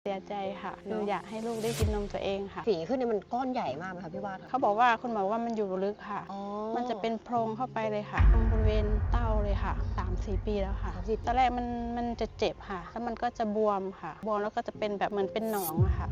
เสียใจค่ะคืออยากให้ลูกได้กินนมตัวเองค่ะฝีขึ้นเนี่ยมันก้อนใหญ่มากไหมคะพี่วาดเขาบอกว่าคุณหมอว่ามันอยู่ลึกค่ะอ๋อมันจะเป็นโพรงเข้าไปเลยค่ะตรงบริเวณเต้าเลยค่ะ 3-4 ปีแล้วค่ะ 30 ตอนแรกมันจะเจ็บค่ะ แล้วมันก็จะบวมค่ะ บวมแล้วก็จะเป็นแบบเหมือนเป็นหนองอะค่ะ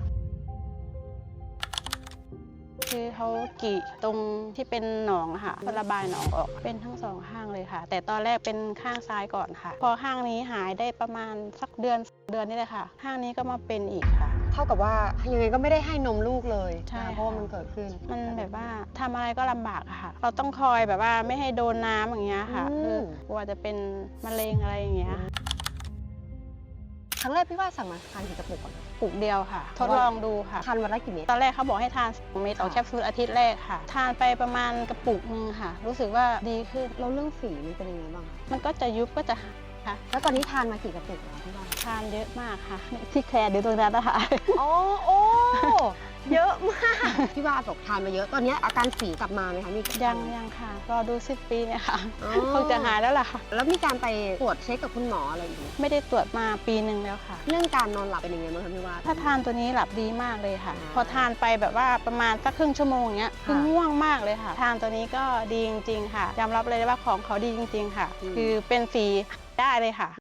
คือเขากรีดตรงที่เป็นหนองอะค่ะเพื่อระบายหนองออกเป็นทั้งสองข้างเลยค่ะ แต่ตอนแรกเป็นข้างซ้ายก่อนค่ะ พอข้างนี้หายได้ประมาณสักเดือนนี่เลยค่ะ ข้างนี้ก็มาเป็นอีกค่ะเท่ากับว่ายังไงก็ไม่ได้ให้นมลูกเลยใช่นะคะเพราะว่ามันเกิดขึ้นมันแบบว่าทำอะไรก็ลำบากอะค่ะ เราต้องคอยแบบว่าไม่ให้โดนน้ำอย่างเงี้ยค่ะอืมคือกลัวจะเป็นมะเร็งอะไรอย่างเงี้ยครั้งแรกพี่วาดสั่งมาทานกี่กระปุกก่อนปลูกเดียวค่ะ ทดลองดูค่ะทานวันละกี่เม็ดตอนแรกเขาบอกให้ทาน2 เม็ดต่อค่ะแคปซูลอาทิตย์แรกค่ะ ทานไปประมาณกระปุกนึงค่ะ รู้สึกว่าดีขึ้นแล้วเรื่องฝีมันเป็นยังไงบ้างคะมันก็จะยุบก็จะหายค่ะแล้วตอนนี้ทานมากี่กระปุกแล้วพี่วาดทานเยอะมากค่ะ ที่แคร์ดูตรงนั้นนะคะอ๋อโอ้ เยอะมาก พี่วาดบอกทานมาเยอะ ตอนนี้อาการฝีกลับมาไหมคะมียังค่ะ รอดู10 ปีเนี่ยค่ะอ๋อคงจะหายแล้วล่ะค่ะแล้วมีการไปตรวจเช็คกับคุณหมออะไรอีกไหมไม่ได้ตรวจมาปีหนึ่งแล้วค่ะเรื่องการนอนหลับเป็นยังไงบ้างคะพี่วาดถ้าทานตัวนี้หลับดีมากเลยค่ะอ่าพอทานไปแบบว่าประมาณสักครึ่งชั่วโมงเนี้ยค่ะคือง่วงมากเลยค่ะ ทานตัวนี้ก็ดีจริงๆค่ะยอมรับเลยว่าของเขาดีจริงๆค่ะ คือเป็นสีได้เลยค่ะ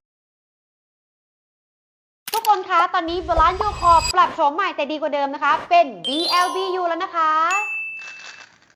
ทุกคนคะ ตอนนี้บาลานซ์ยูคอร์ปรับโฉมใหม่แต่ดีกว่าเดิมนะคะ เป็น BLBU แล้วนะคะ